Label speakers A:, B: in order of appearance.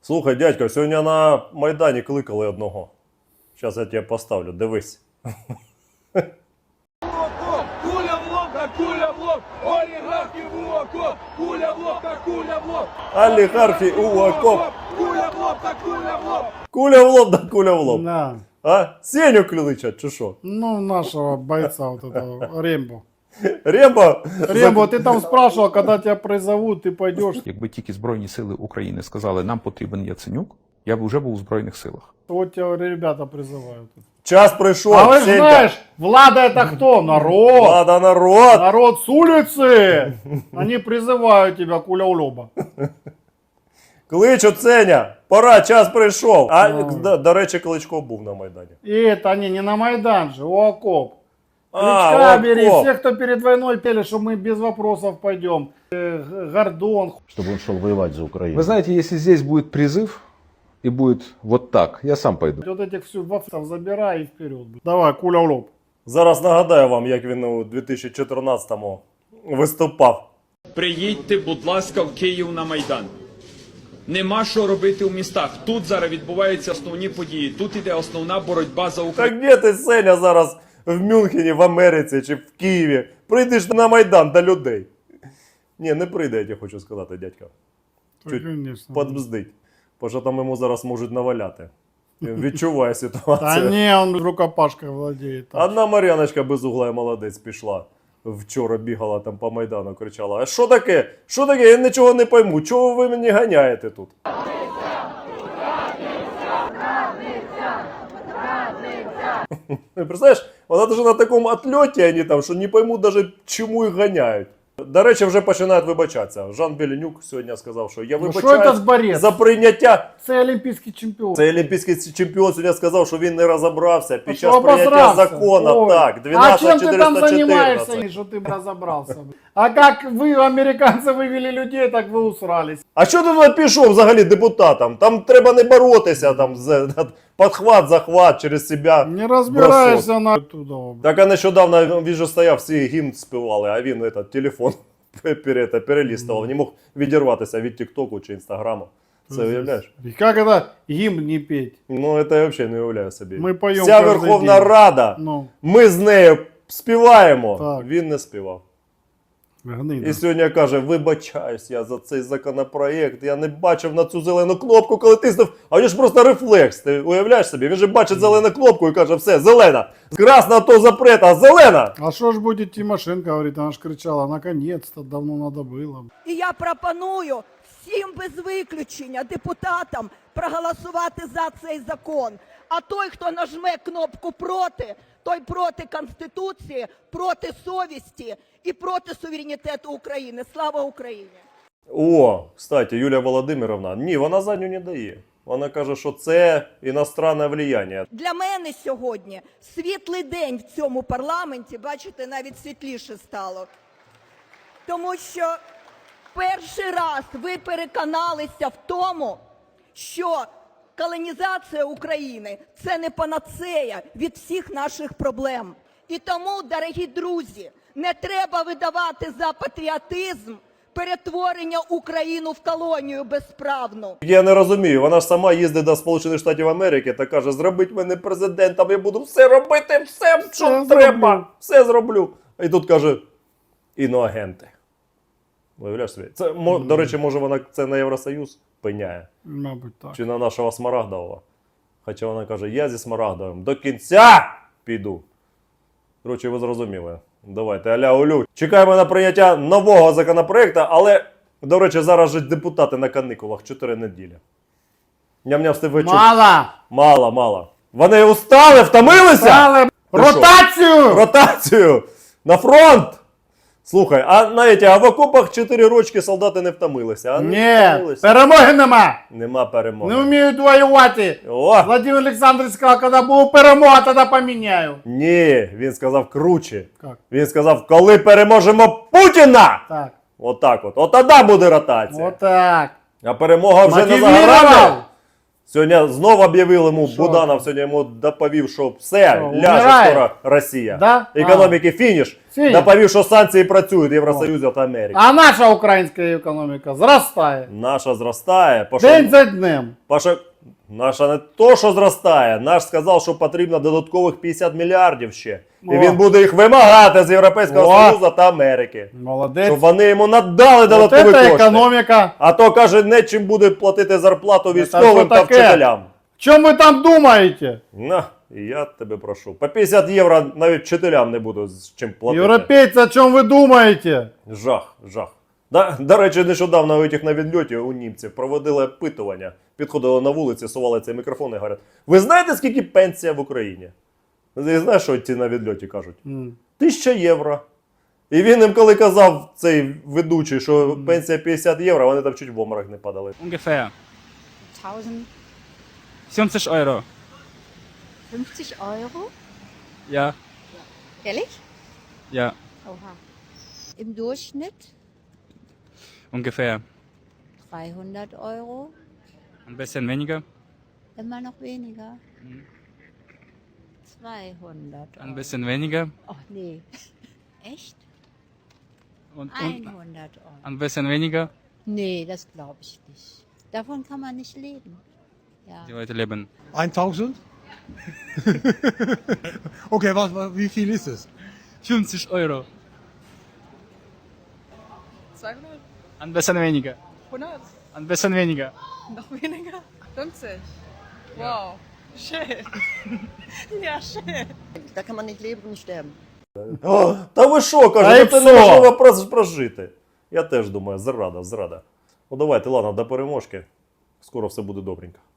A: Слухай, дядько, сьогодні на Майдані кликали одного. Зараз я тебе поставлю, дивись.
B: Куля в лоб, да куля в лоб, олігархи в окоп, куля в лоб, да куля в лоб.
A: Олігархи у окоп.
B: Куля в лоб, да куля в лоб.
A: Куля в лоб, да куля в лоб.
C: Да.
A: А? Сеню кличать, чи що?
C: Ну, нашего бойца вот этого, Рембо.
A: Рембо?
C: Рембо, ты там спрашивал, когда тебя призовут, ты пойдешь.
D: Якби тільки Збройні сили України сказали, нам потрібен Яценюк, я б вже був у Збройних силах.
C: Вот тебя ребята призывают.
A: Час прийшов,
C: А вы же
A: Сенька.
C: знаешь, Влада это кто? Народ.
A: Влада, народ.
C: Народ с улицы. Они призывают тебя, куля у лоба.
A: Кличуть, Сеня. Пора, час прийшов. А,
C: Ну.
A: до речі, Кличко був на Майдані.
C: И это они не на Майдан же, у окоп.
A: А,
C: Кличка бери,
A: окоп.
C: все, кто перед войной пели, что мы без вопросов пойдем. Гордон.
E: Чтобы он шел воевать за Украину.
F: Вы знаете, если здесь будет призыв и будет вот так, я сам пойду.
C: Вот этих всю вовцов забирай и вперед. Давай, куля в лоб.
A: Зараз нагадаю вам, як він у 2014-му виступав.
G: Приїдьте, будь ласка, в Київ на Майдан. Нема що робити у містах. Тут зараз відбуваються основні події. Тут іде основна боротьба за Україну.
A: Так де ти, Сеня, зараз в Мюнхені, в Америці чи в Києві? Прийдеш на Майдан до людей. Ні, не прийде, я тебе хочу сказати, дядька. Чуть
C: Конечно.
A: подбздить. Бо що там йому зараз можуть наваляти. Він відчуває
C: Да
A: ситуацію.
C: не, он рукопашкой владеет.
A: Одна Мар'яночка безугла і молодець пішла. Вчора бігала там по Майдану, кричала: а що таке? Що таке? Я нічого не пойму. Чого ви мені ганяєте тут? Представляєш, вона даже на такому отльоті вони там, що не пойму даже, чому їх ганяють. До речі, вже починають вибачатися. Жан Беленюк сьогодні сказав, що я
C: Ну, що це з
A: вибачаюсь
C: борець?
A: за прийняття.
C: Це олімпійський чемпіон.
A: Цей олімпійський чемпіон сьогодні сказав, що він не розібрався під
C: Що
A: час прийняття
C: обосрався?
A: закону.
C: Ой.
A: Так,
C: А чем ты там
A: 12414.
C: занимаешься, что ты разобрался? А как вы, американцы, вывели людей, так вы усрались.
A: А що ти туди пішов взагалі депутатом? Там треба не боротися, там підхват, захват через себе.
C: Не разбираешься на туда.
A: Так а нещодавно він же стояв, всі гімн співали, а він телефон перелістував, не мог відірватися від Тіктоку чи Інстаграму. Це уявляєш?
C: И как это гимн не петь?
A: Ну, це я взагалі не уявляю собі.
C: Ми поємо
A: Вся
C: кожен
A: Верховна
C: день.
A: Рада,
C: Ну,
A: ми з нею співаємо.
C: Так.
A: Він не співав.
C: гнида.
A: І сьогодні каже: вибачаюсь я за цей законопроєкт, я не бачив на цю зелену кнопку, коли тиснув, а він ж просто рефлекс, ти уявляєш собі? Він же бачить зелену кнопку і каже: все, зелена, красна то запрет, а зелена!
C: А что ж будет Тимошенко, говорит, она ж кричала, наконец-то, давно надо было.
H: І я пропоную всім без виключення депутатам проголосувати за цей закон. А той, хто нажме кнопку проти, той проти Конституції, проти совісті і проти суверенітету України. Слава Україні!
A: О, кстати, Юлія Володимировна, ні, вона задню не дає. Вона каже, що це іностранне влияння.
H: Для мене сьогодні світлий день в цьому парламенті, бачите, навіть світліше стало. Тому що перший раз ви переконалися в тому, що колонізація України – це не панацея від всіх наших проблем. І тому, дорогі друзі, не треба видавати за патріотизм перетворення України в колонію безправну.
A: Я не розумію, вона ж сама їздить до Сполучених Штатів Америки та каже: зробіть мене президентом, я буду все робити, все, що
C: зроблю.
A: треба, все зроблю. І тут каже: іноагенти. Виявляєш собі? Це, до речі, може вона це на Євросоюз пеняє?
C: Мабуть, так.
A: Чи на нашого Смарагдового? Хоча вона каже: я зі Смарагдовим до кінця піду. Коротше, ви зрозуміли. Давайте, аля-улю. Чекаємо на прийняття нового законопроекту, але, до речі, зараз же депутати на каникулах 4 неділі. Ням-ням встиг вечір.
C: Мало!
A: Мало. Вони устали, втомилися?
C: Стали ротацію!
A: Ротацію! На фронт! Слухай, а в окопах 4 рочки солдати не втомилися, а?
C: Ні,
A: втомилися.
C: перемоги нема!
A: Нема перемоги.
C: Не вміють воювати!
A: О!
C: Владимир Олександрович сказав, коли буде перемога, тоді поміняю.
A: Ні, він сказав круче.
C: Як?
A: Він сказав: коли переможемо Путіна!
C: Так,
A: Отак от. От тоді буде ротація.
C: отак.
A: А перемога вже не за
C: Мотивував!
A: горами. Сьогодні знову об'явили йому,
C: Що?
A: Буданов сьогодні йому доповів, що все,
C: Що,
A: ляже
C: умирає?
A: скоро Росія.
C: Да?
A: Економіки фініш.
C: Фініш.
A: Доповів, що санкції працюють Євросоюзу та Америки.
C: А наша українська економіка зростає.
A: Наша зростає.
C: День за днем.
A: Паша, наша не то, що зростає. Наш сказав, що потрібно додаткових 50 мільярдів ще. І
C: О.
A: він буде їх вимагати з Європейського
C: О.
A: Союзу та Америки.
C: Молодець.
A: Щоб вони йому надали
C: Вот
A: додаткові
C: это
A: кошти.
C: економіка.
A: А то, каже, нечим буде платити зарплату
C: що
A: військовим та
C: таке?
A: вчителям.
C: Що ви там думаєте?
A: На, і я тебе прошу. По 50 євро навіть вчителям не буду з чим платити.
C: Європейці, о чому ви думаєте?
A: Жах, жах. До речі, нещодавно у тих на відльоті у німців проводили опитування. Підходили на вулиці, сували цей мікрофон і говорять: ви знаєте, скільки пенсія в Україні? Ти знаєш, що ці на відльоті кажуть? 1000 євро. І він їм, коли казав, цей ведучий, що пенсія 50 євро, вони там чуть в обморок не падали.
I: Ungefähr
J: 1000.
I: 50 Euro.
J: 50 Euro?
I: Ja,
J: Ehrlich?
I: ja,
J: Oha. Im Durchschnitt
I: ungefähr.
J: 300 Euro?
I: Ein bisschen weniger,
J: Immer noch weniger? 200 Euro.
I: ein bisschen weniger
J: Ach nee. Echt?
I: und
J: 100 Euro.
I: ein bisschen weniger.
J: Nee, das glaube ich nicht. Davon kann man nicht leben. Ja.
I: Die Leute leben.
B: 1000? Okay, wie viel ist es?
I: 50 Euro.
K: 200?
I: Ein bisschen weniger.
K: 100?
I: Ein bisschen weniger.
K: Noch weniger? 50? Wow. Schön. Ja, schön.
H: Da kann man nicht leben und sterben.
A: О, та ви що,
C: Та
A: каже,
C: й
A: ну це
C: все.
A: неможливо прожити. Я теж думаю, зрада, зрада. Ну давайте, ладно, до переможки. Скоро все буде добренько.